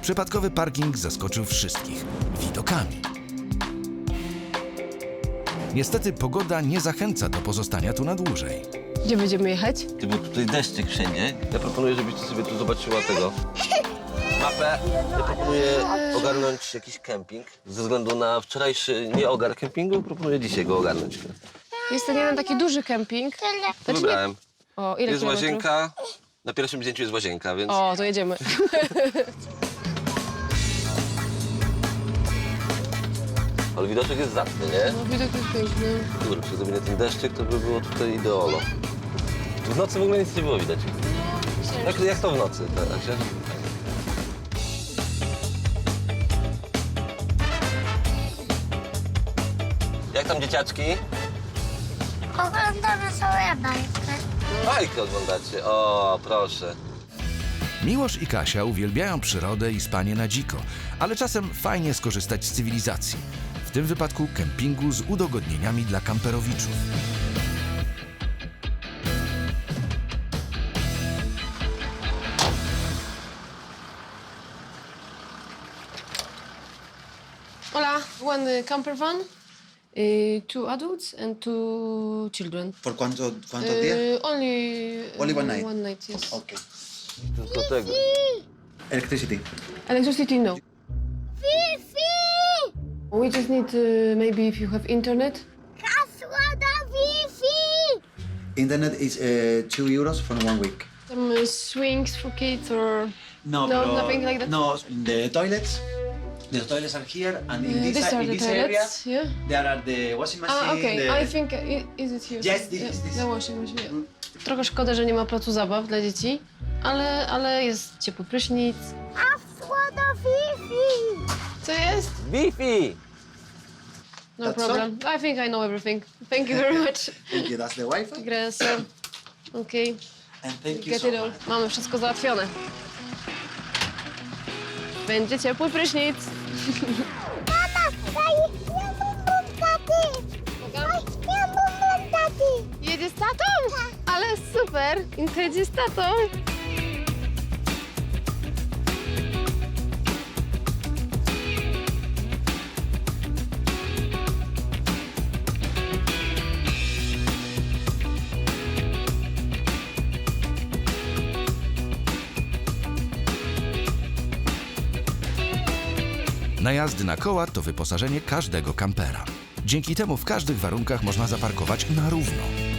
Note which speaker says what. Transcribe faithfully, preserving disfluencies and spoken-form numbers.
Speaker 1: Przypadkowy parking zaskoczył wszystkich widokami. Niestety pogoda nie zachęca do pozostania tu na dłużej.
Speaker 2: Gdzie będziemy jechać?
Speaker 3: Ty, bo tutaj deszczyk wszędzie. Ja proponuję, żebyś ty sobie tu zobaczyła tego mapę. Ja proponuję ogarnąć jakiś kemping. Ze względu na wczorajszy nieogar kempingu, proponuję dzisiaj go ogarnąć.
Speaker 2: Jest ten jeden taki duży kemping. Znaczy nie...
Speaker 3: Wybrałem.
Speaker 2: O, ile
Speaker 3: Jest
Speaker 2: kilometrów?
Speaker 3: łazienka. Na pierwszym zdjęciu jest łazienka, więc...
Speaker 2: O, to jedziemy.
Speaker 3: Ale widoczek jest zacny, nie?
Speaker 2: No, widok jest piękny.
Speaker 3: Kurczę, gdyby nie ten deszczyk, to by było tutaj ideolo. W nocy w ogóle nic nie było widać. Jak, jak to w nocy? Tak, się... Jak tam dzieciaczki?
Speaker 4: Oglądamy sobie bajkę.
Speaker 3: Bajkę oglądacie. O, proszę.
Speaker 1: Miłosz i Kasia uwielbiają przyrodę i spanie na dziko, ale czasem fajnie skorzystać z cywilizacji. W tym wypadku kempingu z udogodnieniami dla kamperowiczów.
Speaker 2: Hola, one camper van, uh, two adults and two children.
Speaker 5: ¿Por cuánto, cuántos días?
Speaker 2: Uh, only, uh,
Speaker 5: Only one night?
Speaker 2: One night, yes.
Speaker 5: Okay.
Speaker 3: Tylko tego.
Speaker 5: Electricity.
Speaker 2: Electricity, no.
Speaker 4: Wi-Fi!
Speaker 2: We just need uh, maybe if you have internet.
Speaker 4: Hasło do Wi-Fi!
Speaker 5: Internet is uh, two euros for one week.
Speaker 2: Some uh, swings for kids or...
Speaker 5: No,
Speaker 2: No,
Speaker 5: pero-
Speaker 2: nothing like that?
Speaker 5: No, the toilets. The toilets are here, and in
Speaker 2: Uh,
Speaker 5: this,
Speaker 2: these are
Speaker 5: in
Speaker 2: the
Speaker 5: this area,
Speaker 2: toilets, yeah.
Speaker 5: there are the washing machine.
Speaker 2: Ah, okay.
Speaker 5: the...
Speaker 2: I think, uh, i- is it here?
Speaker 5: Yes, this
Speaker 2: Yeah,
Speaker 5: is this.
Speaker 2: the washing machine, yeah. Trochę szkoda, że nie ma placu zabaw dla dzieci, ale, ale jest ciepły prysznic.
Speaker 4: Hasło do Wi-Fi!
Speaker 2: Co jest?
Speaker 3: Wi-Fi!
Speaker 2: No
Speaker 5: That's
Speaker 2: problem. I think I know everything. Thank you very much.
Speaker 5: Thank you. That's the Wi-Fi.
Speaker 2: Gracias. Okay.
Speaker 5: And thank you
Speaker 2: Get
Speaker 5: so
Speaker 2: it all.
Speaker 5: much.
Speaker 2: Mamy wszystko załatwione. Będzie ciepły prysznic.
Speaker 4: Mama, daj ja bum taty! Daj ja bum taty!
Speaker 2: Jedzie z tatą? Ale super. Inka jedzie z tatą.
Speaker 1: Najazdy na koła to wyposażenie każdego kampera. Dzięki temu w każdych warunkach można zaparkować na równo.